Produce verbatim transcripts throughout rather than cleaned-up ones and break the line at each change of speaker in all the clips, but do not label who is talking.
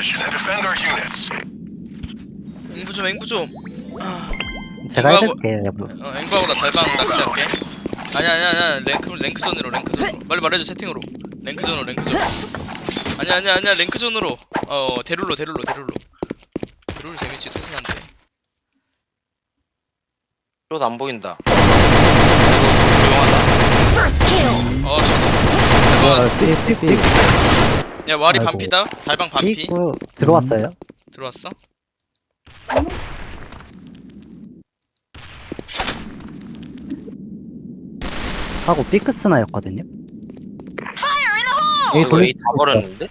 앵부 좀 앵부 좀. 아,
제가
앵구하고-
해줄게요 여보.
어, 앵구하고 나 달방 낚시할게. 아니야 아니야 아니야 랭크 랭크존으로 랭크존으로. 빨리 말해줘 채팅으로. 랭크존으로 랭크존. 아니야 아니야 아니야 랭크존으로. 어 데룰로 데룰로 데룰로. 데룰로 재밌지 투순한데.
숏 안 보인다. 이거 조용하다.
First kill.
어 저도.
어, 삐, 삐, 삐.
야 와리
아이고.
반피다. 달방 반피.
삐고 들어왔어요.
들어왔어?
하고 삐크스나였거든요.
어, 이거 A 다 버렸는데?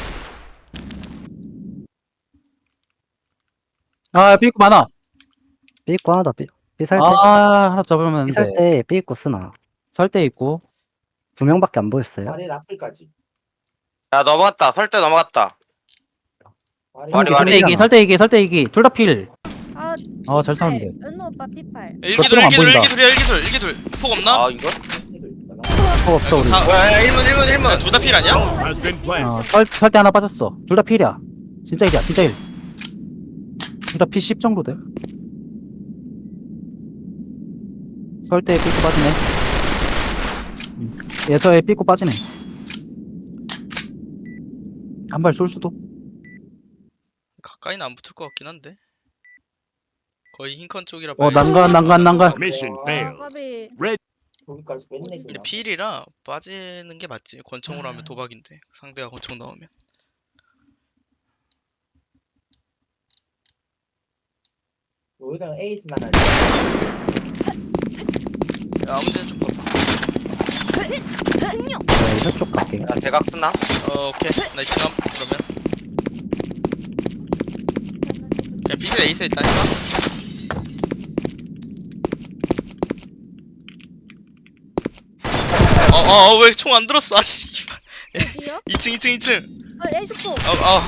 아 삐꾸 많아.
삐고 하나 더 삐. 삐살 때.
아 하나 잡으면
삐살
돼.
때 삐고 쓰나.
설대 있고.
두 명밖에 안 보였어요.
아래 라플까지.
야 넘어갔다. 설대 넘어갔다.
와리
와리,
와리.
와리.
설대 이기 설대 이기 설대 이기 둘 다 필.
아,
어잘 싸는데.
은호 오빠 피팔.
일기돌
안
일기돌
보인다.
일기돌이야 일기돌 일기돌. 폭 없나?
아 이거?
어, 없어 우리.
사-
뭐야 야, 일 문 일 문 일 문.
둘 다 필 아니야?
어, 설 설대 하나 빠졌어. 둘 다 필이야. 진짜 일이야 진짜 일. 둘 다 피 십 정도 돼. 설대 삐꾸 빠지네. 음. 예서에 삐꾸 빠지네. 한 발 쏠 수도.
가까이는 안 붙을 것 같긴 한데. 거의 흰컨 쪽이라
어
봐야지.
난간 난간 난간.
Mission
아,
failed.
까비.
거기까지 맨
근데
내기나.
필이라 빠지는 게 맞지. 권총으로 하면 도박인데 상대가 권총 나오면.
여기다가 에이스 나갈.
야, 아무 데나 좀 봐봐.
네, 이쪽 갈게요.
야 대각 쓰나?
어 오케이 나 이층 함 그러면. 그냥 빛을 에이스 일단 해봐. 어어 왜 총 안 들었어 아씨.
어디요?
이층 이층 이층.
아, 에이스포.
어어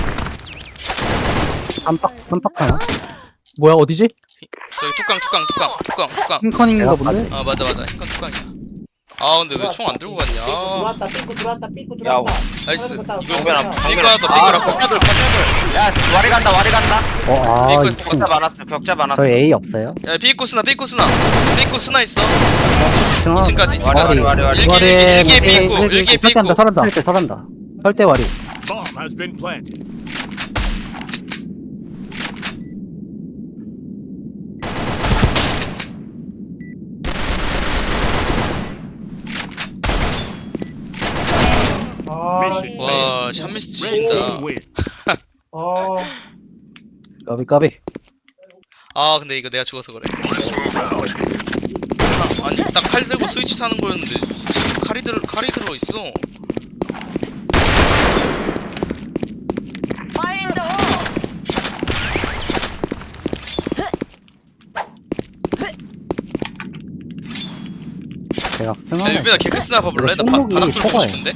깜빡 깜빡 하나.
뭐야 어디지?
저기 뚜껑 뚜껑 뚜껑 뚜껑 뚜껑.
흰컨인가
내가
본데?
아 맞아 맞아 흰컨 뚜껑이야. 아 근데 왜 총 안 들고 갔냐.
들어왔다 삐꾸 들어왔다 삐꾸
야,
들어왔다.
나이스.
사람
이거
정면아.
삐꾸 하나 더 삐꾸 하나 더.
벽자들 벽자들. 야 와리 간다 와리 간다.
어, 아,
삐고
이층.
격자 많았어 격자 많았어.
저희 A 없어요.
야 삐꾸 쓰나 삐꾸 쓰나 삐꾸 쓰나 있어.
이층
이층까지
와리
이층까지.
와리 와리 와리.
일기 일기 일기 삐꾸 일기
설대한다
삐꾸.
설한다.
설때 설한다.
설대 와리.
Bomb has been planted.
아,
Mission
와
failed.
샷미스
Red
지린다.
team win.
아,
까비 까비.
아 근데 이거 내가 죽어서 그래. 아, 아니 딱 칼 들고 스위치 사는 거였는데 칼이 들 칼이 들어 있어.
제가
야
승하네.
유빈아 개크스나 봐볼래? 나 바,
손목이
바닥 뚫고
커가요.
싶은데.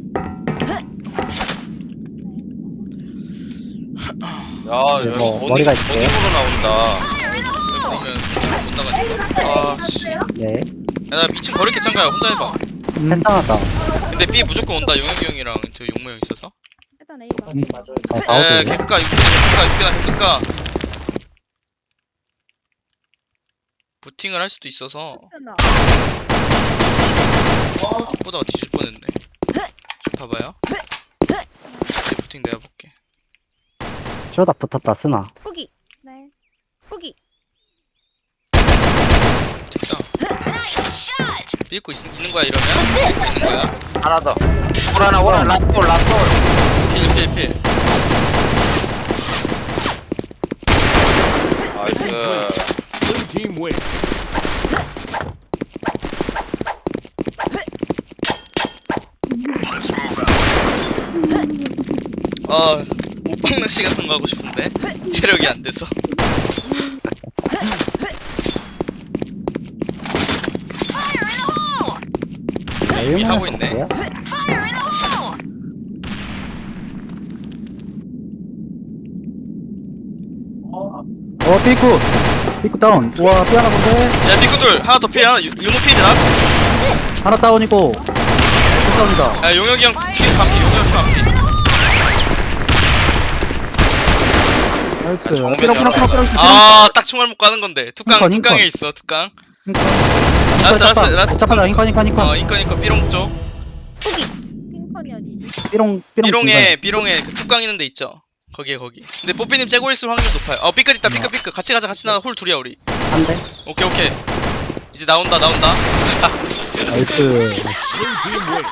야
네,
여기
뭐,
버닝
머리가 있을게요.
버닝으로 나온다.
여기 그러면 못 나가지. 아씨.
네.
야나 미친 거리게 짱가야 혼자 해봐.
음. 패스하다.
근데 B 무조건 온다. 용혁이 형이랑 저 용모 형 있어서.
일단 A 봐.
같이 맞아야 돼.
저
에
사오드.
개크가 유빈아 개크가 유빈아 개크가. 부팅을 할 수도 있어서
스나.
보다가 뒤질 뻔했네. 좀 봐봐요. 이제 부팅 내가 볼게.
쇼다 붙었다 쓰나.
후기. 네. 후기.
됐다. 삐고 있, 있는 거야 이러면? 삐고 있는 거야?
하나 더. 올 하나 올 하나 라스트 올 라스트 올.
필, 필, 필.
나이스.
Blue team win.
아, 오빵 낚시 같은 거 하고 싶은데 체력이 안 돼서. 이미 하고 있네.
볼게요.
어 삐꾸. 삐꾸 다운. 와 삐 하나 본데.
야, 삐꾸들 하나 더 필, 하나 유- 윤호 필이다.
하나 다운이고. 삐 다운이다.
야, 용혁이 형 필, 반피, 용혁이 형 반피.
나이스.
정면
삐롱, 삐롱, 삐롱, 삐롱, 삐롱.
아, 딱 총알 못 가는 건데. 툭강,
인컨,
툭강에
인컨.
있어, 툭강.
흰컨.
라스, 라스, 라스.
잠깐만, 흰컨, 흰컨, 흰컨.
어, 인컨, 인컨, 삐롱 쪽.
포기. 핑컨이 어디지?
삐롱, 삐롱.
삐롱에, 삐롱에 그 툭강 있는 데 있죠? 거기에, 거기. 근데 뽀삐님 째고 있을 확률 높아요. 어, 삐끗 있다, 삐끗, 삐끗. 같이 가자, 같이 나가. 홀 둘이야, 우리.
한 대.
오케이, 오케이. 이제 나온다, 나온다.
나이스.
Blue team wins.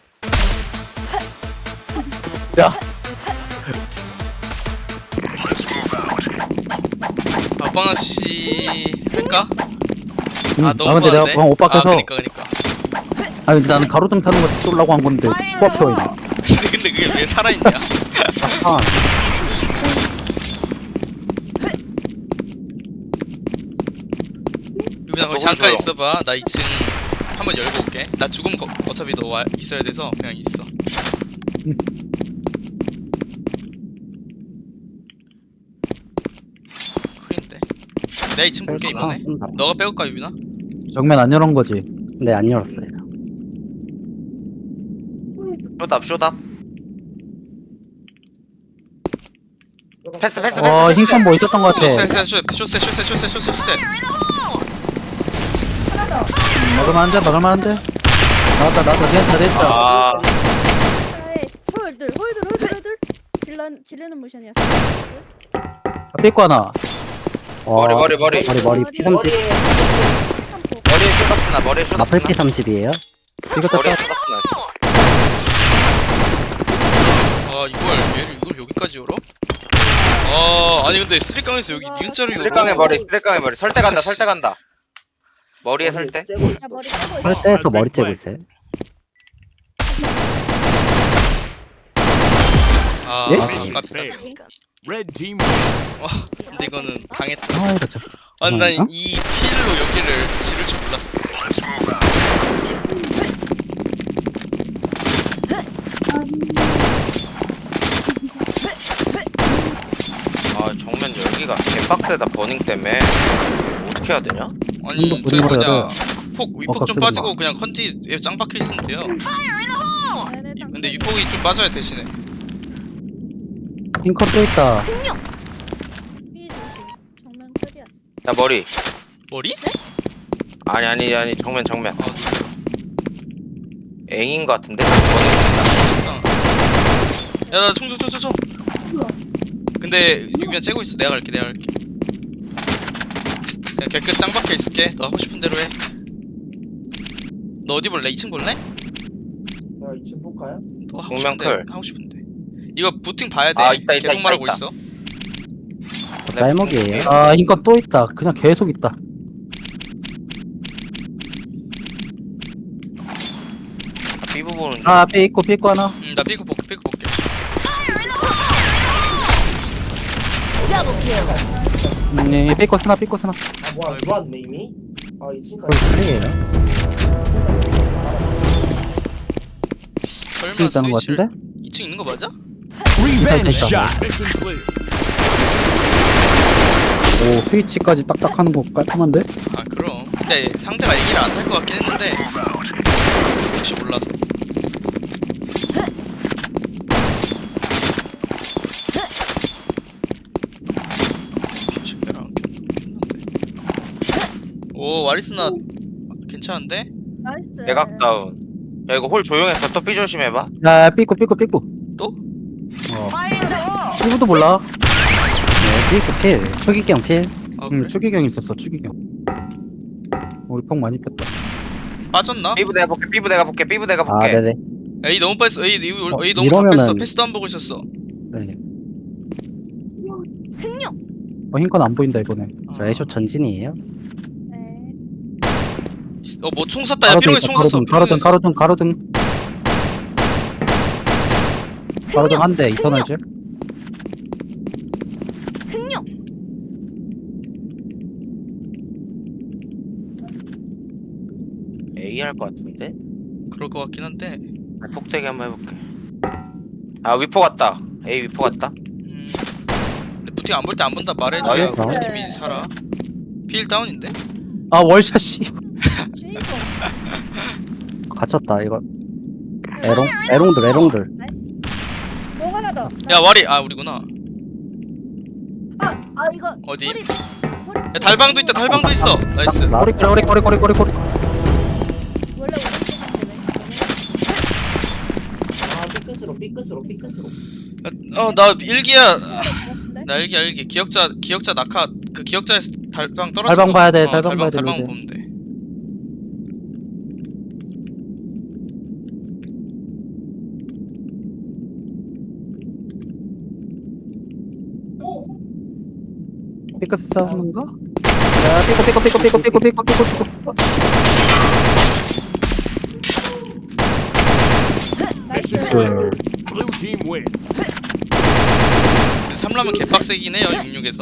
야,
아빠나씨 할까?
음,
아
아,
너무
근데 내가
많은데?
방금 오빠
아
께서
그니까 그니까
아 근데 나는 가로등 타는 거 쏠라고 한 건데 코앞에 있네.
근데 근데 그게 왜 살아있냐?
아,
유빈아 거기 잠깐 있어봐. 나 이 층 한번 열고 올게. 나 죽으면 거, 어차피 너 와, 있어야 돼서 그냥 있어. 큰인데. 내가 이 층 볼게
뺄까?
이번에.
쏜다.
너가 빼올까 유빈아?
정면 안 열은 거지.
네, 안 열었어요.
쇼답 쇼답. 패스 패스
어,
패스.
흰컨 뭐 있었던 거 같아.
쇼세 쇼세 쇼세 쇼세 쇼세 쇼세 쇼세.
하나 더.
먹을만 한데, 먹을만 한데. 나왔다, 나왔다, 됐다, 됐다.
아
자에 홀들, 홀들, 홀들, 홀들. 질러 지르는 모션이었어.
아, 삐꾸 하나.
와,
머리, 머리, 머리.
머리, 머리, 피 삼십.
머리에
삼포.
머리에 쇼답나 머리에 쇼답나.
나플 피 삼십이에요.
이거
머리에
떴다.
쇼답나.
아 이걸 얘를 이걸 여기까지 열어? 아 아니 근데 쓰리깡에서 여기 니은자로 열어.
쓰리깡의 머리 쓰리깡의 머리. 설대 간다 설대 간다. 머리에 설대.
쐬고
야
있어.
머리 빼고 있어.
설대에서 머리 째고 있어요.
아,
예?
아,
Mission
아깝다.
failed. Red team wins.
근데 이거는 당했다.
아, 이거 참.
아니
어?
난이 필로 여기를 지를 줄 몰랐어.
아 정면 열기가 개빡세다 버닝 때문에. 어떻게 해야 되냐?
아니
이거
저기
뭐냐,
뭐냐
그래.
폭
어,
위폭 좀
깍두기
빠지고
봐.
그냥 컨디에 짱 박혀 있으면 돼요.
얘네 땅
근데
털이.
위폭이 좀 빠져야 대신에.
흰컨 또 있다.
삐 조심. 정면 털이었어.
나 머리.
머리?
아니 아니 아니 정면 정면.
아
앵인 거 같은데. 버닝.
진짜. 야나 총총총총. 근데 유미야 째고 있어. 내가 갈게 내가 갈게. 그냥 개끝 짱 박혀 있을게. 너 하고 싶은 대로 해. 너 어디 볼래? 이 층 볼래?
자, 이 층 볼까요?
너 하고
정면
싶은데
클.
하고 싶은데. 이거 부팅 봐야 돼.
아, 있다, 있다,
계속
있다,
말하고
있다.
있어.
짤먹이에요.
아, 흰컨 또 있다. 그냥 계속 있다.
피부 보는 중.
아, 삐 있고, 삐 있고 하나.
응, 나 삐고 볼게 삐고 볼게.
음, 예, 삐 있고 쓰나, 삐 있고 쓰나.
아 뭐야
아이고.
들어왔네 이미. 아 이
거의
층까지.
클리에요.
설마
층 있다는 거
스위치를
같은데?
이 층 있는 거 맞아?
Revenge
있다.
shot. Mission clear.
오, 스위치까지 딱딱 하는 거 깔끔한데?
아 그럼. 근데 상대가 얘기를 안 탈 것 같긴 했는데 혹시 몰라서. 피치배랑 켰는데. 오 와리스나 괜찮은데?
나이스.
대각 다운. 야 이거 홀 조용했어. 또 삐 조심해봐.
야, 삐 있고, 삐 있고, 삐 있고.
또?
어. 삐고도 몰라.
네, 삐고 필. 추기경 필.
아
응,
그래?
추기경 있었어, 추기경. 우리 폭 많이 뺐다.
빠졌나?
삐부 내가 볼게. 삐부 내가 볼게. 삐부 내가
아,
볼게.
네네.
에이 너무 뺐어. 에이, 에이,
어,
에이 너무 다
이러면은-
뺐어. 패스도 안 보고 있었어.
네.
어, 흰건 안 보인다, 이번에.
저 애쇼 전진이에요.
네.
어뭐 총 쐈다. 야 삐롱에 총 쐈어.
가로등, 가로등, 가로등. 가로등 한 대, 이터널 줄.
A 할 것 같은데.
그럴 것 같긴 한데.
폭대기 한번 해볼게. 아 위포 같다. A 위포 같다.
음. 근데 부팅 안 볼 때 안 본다 말해줘야
아,
우리
예.
팀이 살아. 필 다운인데?
아, 월샷, 씨.
주인공.
갇혔다, 이거. 에롱? 에롱들, 에롱들.
뭐 하나 더.
야 와리 아 우리구나.
아 아 이거
어디?
허리, 허리
야 달방도 있다 달방도 있어. 나이스.
나-
꼬리 꼬리 꼬리 꼬리 꼬리 꼬리.
원래 오른쪽인데 왼쪽이네.
아 삐끗으로 삐끗으로 삐끗으로.
어나 일기야.
같은데?
나 일기 일기 기억자 기억자 낙하 그 기억자에서 달방 떨어져.
달방 봐야 돼, 달방
달방
봐야 돼,
달방
로이드.
보면 돼.
삐끗 싸우는가? 야 삐끗 삐끗 삐끗 삐끗 삐끗 삐끗 삐끗 삐끗.
나이스.
Blue team win.
삼라면 개빡세긴 해요 육십육에서.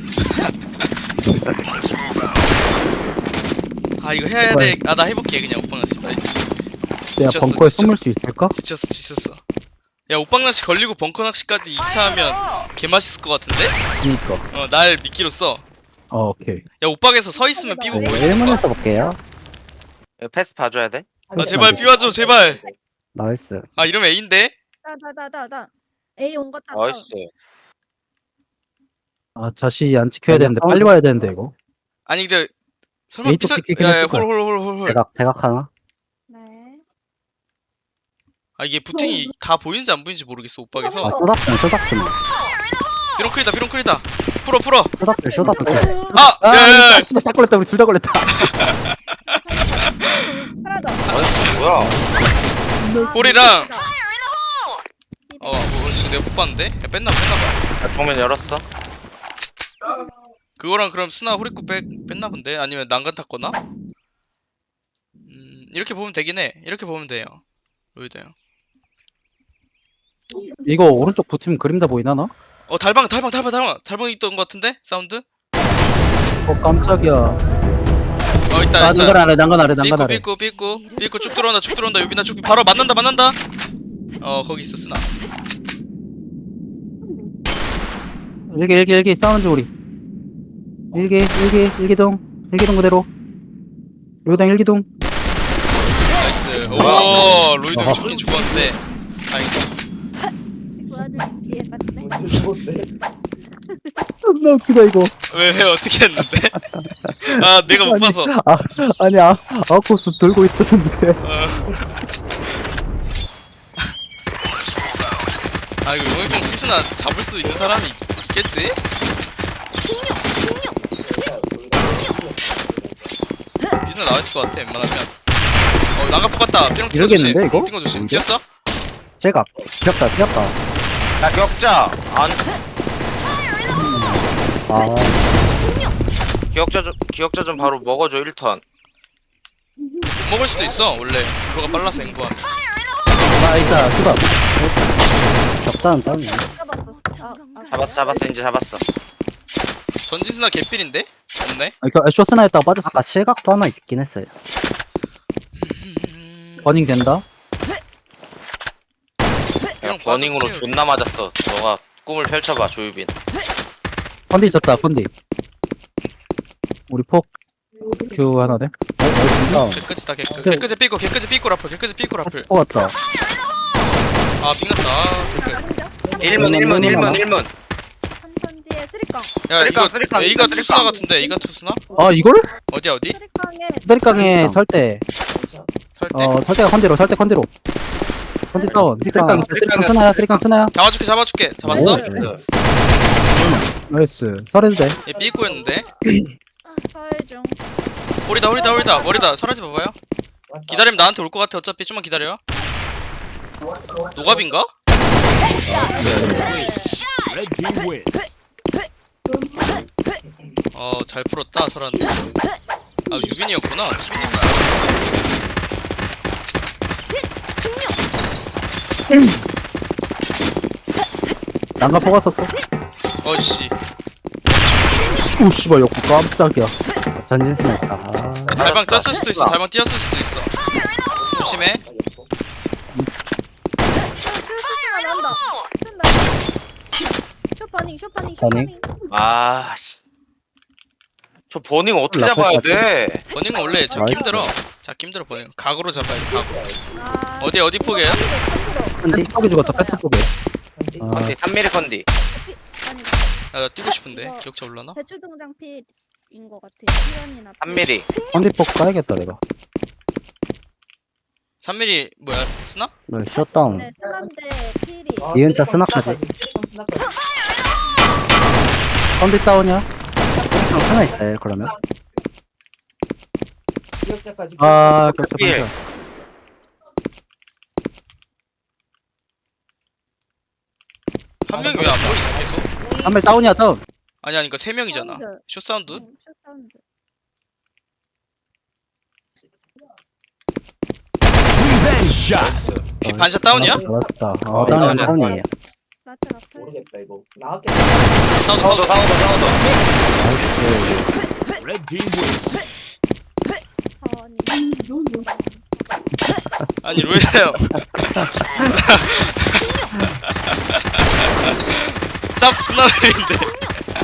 아 이거 해야 돼. 아 나 해볼게 그냥 오빵나씨. 나
내가
지쳤어,
벙커에
지쳤어.
숨을 수 있을까?
지쳤어 지쳤어. 야 오빵낚시 걸리고 벙커 낚시까지 이 차 하면 개맛있을 것 같은데?
그니까.
어 날 미끼로 써.
어 오케이.
야 옷박에서 서 있으면 삐고
네.
보이는
일 문을
거야.
써볼게요.
이거 패스 봐줘야 돼?
아 제발 삐와줘 제발.
나이스.
아 이러면 A인데?
나나나나나 A 온 것 같다.
나이스.
아 자시 안 지켜야 되는데 빨리 와야 되는데 이거.
아니 근데 설마
A 쪽
삐서
찍히긴
야야
했을 거야.
홀홀홀홀홀.
대각 대각 하나.
네.
아 이게 부팅이 다 보이는지 안 보이는지 모르겠어
아
옷박에서.
쇼다픈 쇼다픈.
비롱클이다 비롱클이다. 풀어 풀어.
쇼다픈 쇼다픈.
아
아
야야야.
아, 씨발 딱 걸렸다 우리 둘 다 걸렸다.
하나 더.
아, 뭐야?
아,
볼이랑-
삐끗이다.
어 뭐, 진짜 내가 못 봤는데? 야 뺐나 뺐나봐.
야, 정면 열었어.
그거랑 그럼 스나 호리코 뺐, 뺐나 본데? 아니면 난간 탔거나? 음 이렇게 보면 되긴 해. 이렇게 보면 돼요. 로이드요.
이거 오른쪽 붙으면 그림 다 보이나 나?
어 달방 달방 달방 달방 달방 있던 것 같은데? 사운드?
어 깜짝이야.
어 있다
아
있다.
난간 아래 난간 아래 난간
삐꾸
아래.
삐꾸 삐꾸 삐꾸 쭉 들어온다 쭉 들어온다 유빈아 쭉 바로 만난다 만난다. 어 거기 있어 스나.
일기 일기 일기 싸우는 중 우리. 일기 일기 일기동 일기동 그대로. 로이동 일기동.
나이스. 오 로이드 형 죽긴 죽었는데 다행이다.
도와주기 뒤에 봤네.
뭔지 죽었네.
존나 웃기다 이거.
왜 왜, 어떻게 했는데? 아 내가 못 봐서.
아 아니 아 아웃코스 들고 있었는데.
어. 아 이거 용혁 형 피스나 잡을 수 있는 사람이 있겠지? 피스나 나와있을 것 같아 웬만하면. 어 나가 뽑았다. 삐롱 뛴거 조심.
이러겠는데, 이거?
뛴거 조심.
오히려?
뛰었어?
제각. 귀엽다 귀엽다.
야 격자. 안
아
기억자 좀 기억자 좀 바로 먹어줘 일 턴.
못 먹을 수도 있어 원래 블로가 빨라서 앵구하면.
아 있다 수박.
격자는 다운이야.
잡았어. 아, 아,
잡았어 잡았어 이제 잡았어.
전지스나 개삘인데? 없네?
아 이거 쇼스나 했다가 빠졌어.
아까 실각도 하나 있긴 했어요.
음...
버닝 된다.
야,
그냥
버닝으로
빠졌지.
존나 맞았어. 너가 꿈을 펼쳐봐 조유빈.
컨디 있었다 컨디. 우리 폭큐 하나 돼.
어,
개끄지 다 개끄 개끄지 삐꾸 개끄지 삐꾸 라플 개끄지 삐꾸 라플.
스포 같다.
아 빙났다. 아, 개끄.
일 문 일 문 일 문 일 문.
삼선 뒤에 쓰리깡.
야 이거
쓰리깡, 쓰리깡,
A가
쓰리깡.
투수나 같은데 A가 투수나?
아 이걸?
어디야 어디?
쓰리깡에
쓰리깡에
쓰리깡.
설대.
설대?
어 설대가 컨디로 설대 컨디로. 컨디 다운. 쓰리깡 쓰리깡 스나야 쓰리깡 스나야.
잡아줄게 잡아줄게 잡았어?
네.
나이스. 설해도 돼.
얘 삐꾸였는데
서해 중.
홀이다 홀이다 홀이다 홀이다 사라지 봐봐요. 기다리면 나한테 올 것 같아. 어차피 좀만 기다려. 노갑인가?
Red team win.
어 잘 풀었다 설한. 아 유빈이었구나. 유빈이구나.
난가 포가 썼어.
어씨
오 씨발 역구 깜짝이야.
전진수나 있다. 아,
달방 뛰었을 수도 있어. 달방 뛰었을 수도 있어. 조심해.
스스스가 나온다. 뜬다. 쇼파닝 쇼파닝
버닝.
쇼파닝.
아 씨. 저 버닝 어떻게
나쁠
잡아야
것
돼?
버닝은 원래 잡기
나이스.
힘들어. 잡기 힘들어 버닝. 각으로 잡아야 돼. 각으로.
아,
어디 어디 포개요?
컨디로, 컨디로.
컨디.
패스 포기 죽었어 패스 포기. 아
컨디 삼 밀리 컨디.
계단이
야, 나 뛰고 싶은데
이거-
기억자 올라나?
배추 등장 필인 것 같아. 시간이나
삼 밀리.
컨디폭 까야겠다 내가.
삼 밀리미터 뭐야 스나?
뭐 셧다운.
네, 스난데 필이.
아,
이은자
쓰리컨
스나까지.
쓰리컨 스나까지.
컨디 다운이야.
형 하나 있어요 그러면?
기억자까지.
아 격차
필.
반샷.
한 명이 왜 안 보이냐 계속?
한발 다운이야 다운.
아니 아니 그니까 세 명이잖아.
사운드.
숏 사운드?
응, 첫 사운드.
Revenge shot.
피 반샷 다운이야?
맞다.
어,
어,
다운이야.
다운이야 다운이에요.
라트 라트.
모르겠다 이거. 나왔겠다.
사운드
사우더
사운드.
사우더 사우더.
나이스.
Red team wins.
사원이.
아니 로이형. 쌉 스나들인데.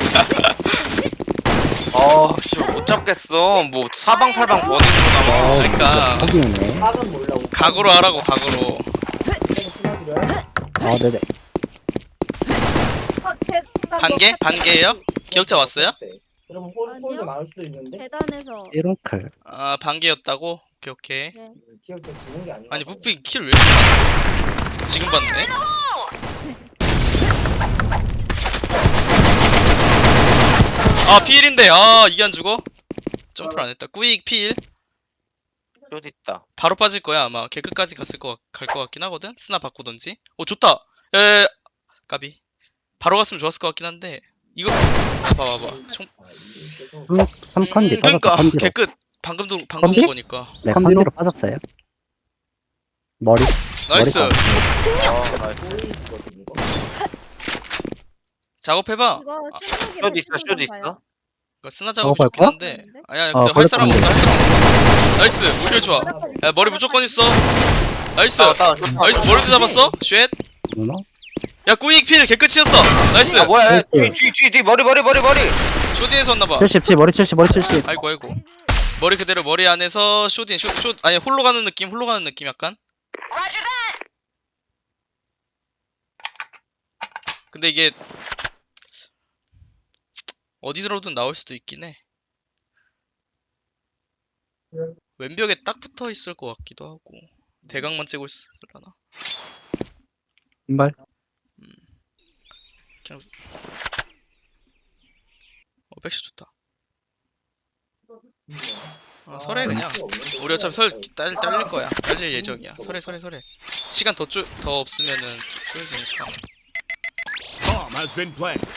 어씨 못 잡겠어. 뭐 사방팔방 버닝으로 남아.
어,
그러니까.
확인이네.
학은 몰라.
각오로 하라고 각오로.
스나드려요?
아 네네.
어, 계- 나
반개?
뭐-
반개예요? 기억자 왔어요?
그러면 홀,
아니요.
홀도 나올 수도 있는데.
계단에서.
이런클.
아 반개였다고? 오케이 오케이.
네.
기억자 지는 게 아니야.
아니 뽀삐 킬 왜 이렇게 많아? 지금 봤네? 아 피일인데 아 이게 안 죽어? 점프를 안 했다. 꾸익 피일.
숏 있다.
바로 빠질 거야 아마. 걔 끝까지 갔을 거 갈 것 같긴 하거든. 스나 바꾸던지. 오 좋다. 에 까비. 바로 갔으면 좋았을 것 같긴 한데 이거 아, 봐봐 봐. 총
아, 이게 있어서.
삼 컨디
음,
빠졌다.
그러니까
컨디로.
걔 끝. 방금도 방금
컨디?
온 거니까.
네
컨디로?
컨디로 빠졌어요. 머리.
나이스.
머리
어, 나이스.
보이거든 이거.
작업해봐.
이거
아,
스무개
숏 있어,
배추
숏
등장
있어.
봐요.
그러니까 스나 작업이
작업할
좋긴
거야?
한데. 아니야
어,
근데 할 사람
걸렸던데.
없어 할 사람 없어. 나이스. 오히려 좋아.
바닥까지,
야 머리 무조건 있어. 나이스.
다운 다운. 숏
나이스
다운.
머리도 잡았어. 쉣.
누나?
야 꾸익 필 개끝이었어. 나이스.
아 뭐야?
나이스.
뒤뒤뒤뒤 머리 머리 머리 머리.
쇼딘에서 왔나봐.
칠십 머리 칠십 머리 칠십.
아이고 아이고. 머리 그대로 머리 안에서 쇼딘 쇼, 쇼 아니 홀로 가는 느낌 홀로 가는 느낌 약간. 근데 이게 어디서든 나올 수도 있긴 해. 왼벽에 딱 붙어 있을 것 같기도 하고 대각만 째고 있으려나?
인발.
그냥 쓰- 어 백샷 좋다. 아 설해 그냥. 우리 어차피 설 딸, 딸릴 거야. 딸릴 예정이야. 설해 설해 설해. 시간 더, 쪼, 더 없으면은 쪼여지니까.
Bomb has been planted.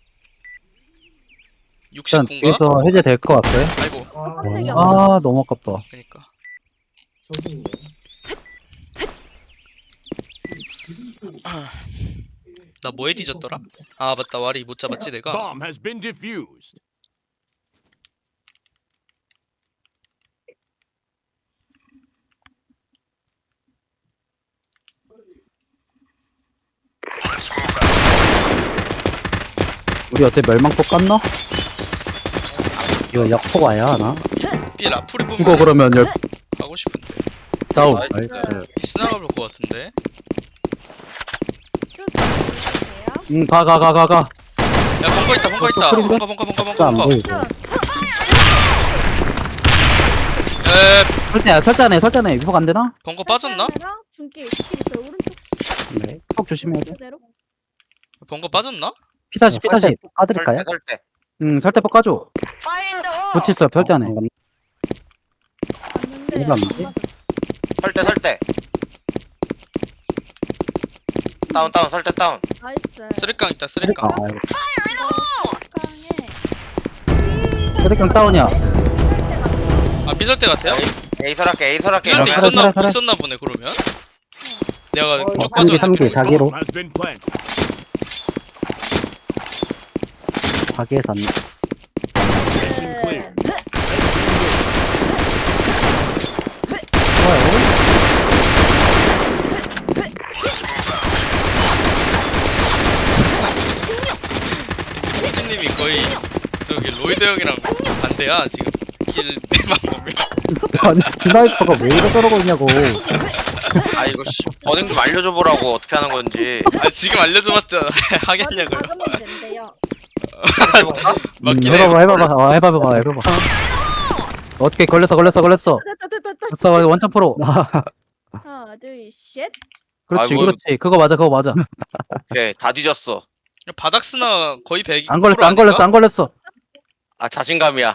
일단
육십구인가?
뒤에서 해제될 것 같아.
아이고
아,
깜짝이야.
아 너무 아깝다.
그니까.
저기
나 뭐에 뒤졌더라? 아 맞다 와리 못 잡았지 내가.
Bomb has been defused.
우리 어때 멸망폭 깠나?
이거 역포 와야 하나?
삐 라풀이
이거
보면
그러면 열
하고 싶은데
다운.
나이스.
이 스나가 볼 것 같은데.
쭉 보세요.
응가 가 가 가 가.
야 벙커 있다 벙커 있다.
소리인데?
벙커 벙커 벙커
진짜 안
벙커 벙커.
보이고.
에
설대야 설대네 설대네 위복 안 되나?
벙커 빠졌나?
중길 스킬 있어요. 오른쪽
네.
폭 조심해야 돼.
그대로.
벙커 빠졌나?
피사십 피사십.
까드릴까요?
설대 설대.
응 설대 폭 까줘. 붙였어 별대 안에.
어,
봤는데
이거 안
안
돼?
맞아.
설대 설대. 다운 다운 설대 다운.
나이스.
쓰리깡 있다 쓰리깡.
아, 이거
이거
쓰리깡 다운이야.
아 삐설대 같아요?
에이설할게 에이설할게.
삐설대
야,
있었나
살아, 살아.
있었나 보네 그러면. 내가
어,
쭉
삼 개, 삼 개,
빠졌는데.
자기로.
Bomb has been planted.
가게에서 안
Mission clear.
피디님이 거의 저기 로이드 형이랑 반대야 지금 길 빼만 보면.
아니 스나이퍼가 왜 이래 저러고 있냐고.
아 이거 씨 버닝 좀 알려줘 보라고 어떻게 하는 건지.
아 지금 알려줘봤자 하겠냐고요.
박으면 된대요.
해볼까?
맞긴
음,
해.
해봐봐 해봐봐 어, 해봐봐 해봐봐 어떻게 걸렸어 걸렸어 걸렸어
됐다 됐다 됐다.
됐어 원점 프로
하나 둘셋
그렇지
아이고.
그렇지 그거 맞아 그거 맞아
오케이 다 뒤졌어.
바닥 스나 거의 백.
안 걸렸어 안 걸렸어 안 걸렸어
아 자신감이야.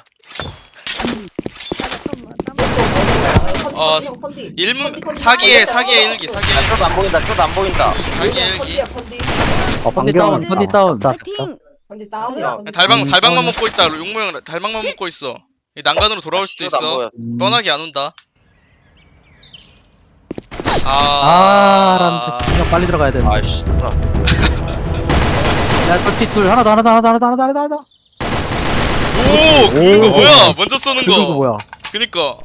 잠깐만.
어, 일문 사기에 사기에 일기 사기에
야
일기
쇼도 안 보인다. 쇼도 안 보인다.
사기에 일기.
어,
컨디 다운,
방금
컨디 다운.
자,
파이팅.
근데 다운이야.
달방
음,
달방만
다운.
먹고 있다. 용모 형 달방만 먹고 있어. 이 난간으로 돌아올 수도
쇼도 안
있어.
보여.
음.
뻔하게 안 온다.
아 라는
아.
뜻이 빨리 들어가야 되는데
아이씨.
야 쫄티 둘 하나 더 하나 더 하나 더 하나 더 하나 더 하나 더 하나 더
오, 긁는 거
오.
뭐야? 먼저 쏘는
그거
거.
뭐야
그니까.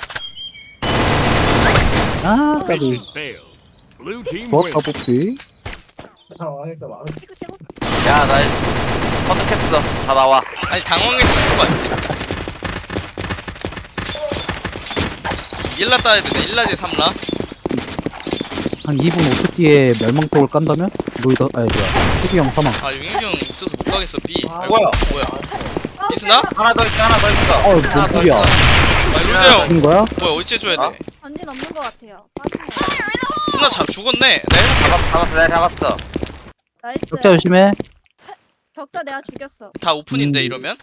아 까비
Mission failed. Blue team
좋았다
wins.
뽑기
당황했어 막.
찍어 찍어.
야나 선택했어. 다 나와.
아니 당황해서 그거 일라 따야 되네. 일라 대 삼라.
한 이 분 오 초 뒤에 멸망폭을 깐다면? 로이더 아니 뭐야 추기형 사망
아 용혁이 형 있어서 못 가겠어. B.
아,
아이고,
뭐야?
뭐야?
아,
이스나?
하나 더 있어. 하나 더 있어.
어, 뭔
하나 더
소리야.
있어.
아 룰드 형.
인 거야?
뭐야 어찌 해줘야
어?
돼?
전진 없는 것 같아요. 빠지네요.
스나 잡 죽었네. 네.
잡았어. 잡았어. 내가 잡았어.
나이스.
격자 조심해
격자 내가 죽였어.
다 오픈인데
음.
이러면?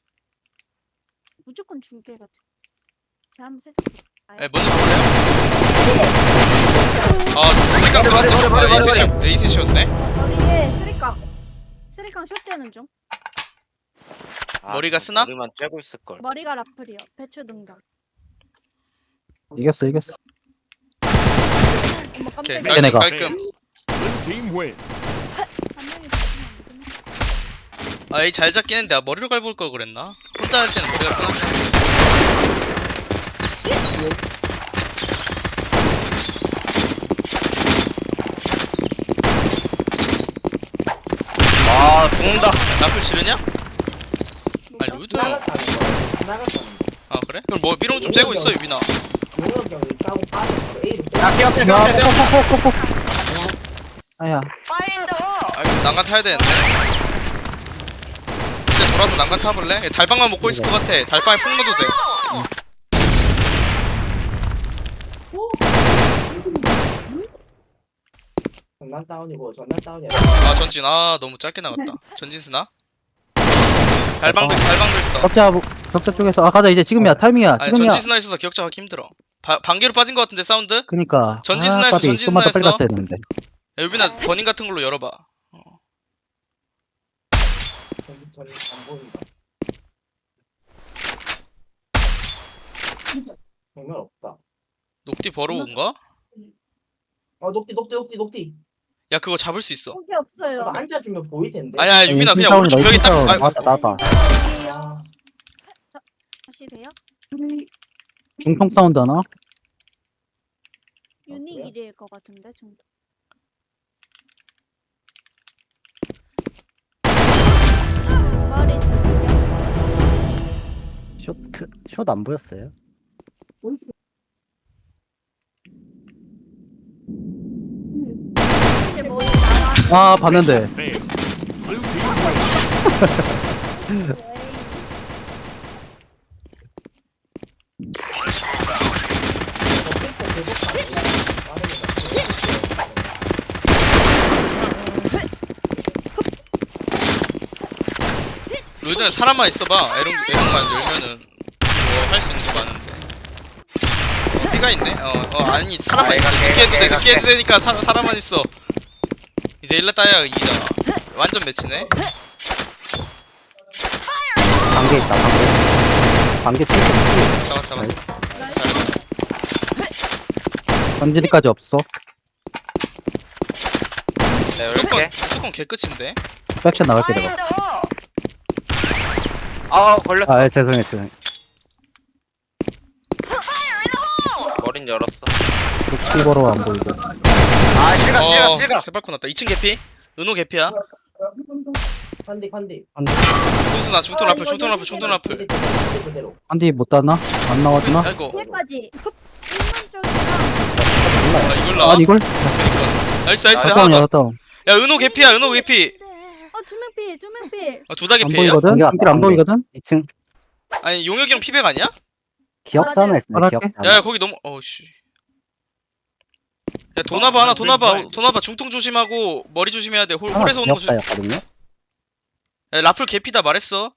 무조건 죽게 같아. 제가 한번 살짝.
에 먼저 가볼래요? 아 스리깡 쓰았어. 아 에이셋이 에이셋이었네.
머리에 쓰리깡. 쓰리깡 숏째는 중.
아,
머리가 쓰나?
머리만 쬐고 있을 걸.
머리가 라플이요. 배추 등장.
이겼어 이겼어
어머
오케이
깜짝이야.
깔끔
얘네가.
깔끔.
Blue team wins.
한 명이 붙으면 안 되구나.
아 에이 잘 잡긴 했는데 아, 머리로 갈볼 걸 그랬나? 혼자 할 때는 머리가 편하긴 한데.
아 죽는다.
라플 치르냐? 아니
못
루드 형.
나갔다는 거. 나갔다는 거.
아 그래? 그럼 뭐 삐롱 좀 째고 있어 유빈아.
용역 형이 까고 빠져. A로
야 기억해.
야
기억해. 기억해.
꼭꼭꼭꼭 아야
아 이거 난간 타야 되는데. 근데 돌아서 난간 타볼래? 달방만 먹고 있을 것 같아. 달방에 폭 넣어도 돼.
전난 다운이고 전난 다운이야.
아 전진 아 너무 짧게 나갔다. 전진 스나? 달방도 있어 달방도 있어.
격자 격자 쪽에서 아 가자 이제 지금이야 타이밍이야
아니
지금이야
전진 스나 있어서 기억자하기 힘들어. 바, 반개로 빠진 것 같은데 사운드?
그니까
전진
아,
스나였어,
까비.
전진
좀만 더 빨리
스나였어.
갔어야 되는데
야, 유빈아 버닝 같은 걸로 열어봐. 어.
전안 보인다. 정말 없다.
녹디 버러운가?
어 녹디 녹디 녹디 녹디.
야 그거 잡을 수 있어.
거기 없어요.
너 앉아주면 보일 텐데.
아니야 유빈아 그냥
다운이다,
오른쪽 벽에 딱.
다운.
아,
나왔다, 나왔다.
아,
다시 돼요?
중통 사운드 하나
유닉 일일 것 같은데 중도. 머리 죽이려.
숏, 그, 숏안 보였어요?
이제 머리 나와.
아 봤는데
Failed. Blue team wins.
에이.
로이드는 사람만 있어봐. 에롱 에롱만 열면은 뭐 할 수 있는 거 많은데. 어, 피가 있네. 어, 어 아니 사람만
아,
있어.
얘가
늦게 해도 돼.
걔가
늦게 해도
걔.
되니까 사, 사람만 있어. 이제 일라 따야 이기잖아. 완전 매치네.
반개 있다, 반개. 반개 튀겨.
잡았어 잡았어. 잘.
전진이까지 없어
네,
무조건
이렇게.
무조건 개끝인데.
백션 나갈게 내가
아 걸렸어.
아, 예, 죄송해요, 죄송해요.
머린 열었어.
녹티버로 안 보이고
아 실각 실각
어
실각.
세발코 났다. 이 층 개피. 은호 개피야.
컨디 컨디.
중수 나 중통
어,
라플
이거
중통 라플
여기
중통 라플.
컨디 그대로, 컨디 그대로.
한디 못 땄나? 안 나왔나?
아이고.
뒤에까지. 일문 쪽이랑.
아 이걸 나와?
아 이걸?
그니까. 나이스 나이스
아
하나
다운
더.
야 다운
야 은호 개피야 은호 개피.
두명 필, 두명 필.
어, 두 다기
안
피해요?
보이거든?
관계 왔다,
중길 안
관계.
보이거든?
이 층
아니 용혁이 형 피백 아니야?
기억자 하나 있어요.
말할게.
기억자.
야, 야 거기 너무 어씨. 야 도나바 하나 도나바 도나바 중통 조심하고 머리 조심해야 돼. 홀,
하나
홀에서 오는 거 조심.
기억자였거든요.
야, 라플 개피다 말했어.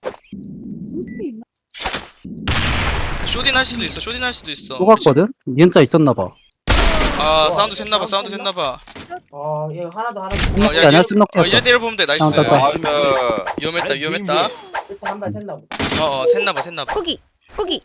쇼딘 할 수도 있어. 쇼딘 할 수도 있어.
쏘갔거든? 니은자 있었나봐.
아 사운드 샜나봐. 사운드 샜나봐.
어 이거 하나 더 하나 더.
음.
어,
아니야,
이래-
찐먹기였어.
어, 이래 때려보면 돼. 나이스.
아, 딱 봐.
나이스.
위험했다. 위험했다.
일단 한발 샜나 보다.
어어 샜나봐. 샜나봐.
거기, 거기.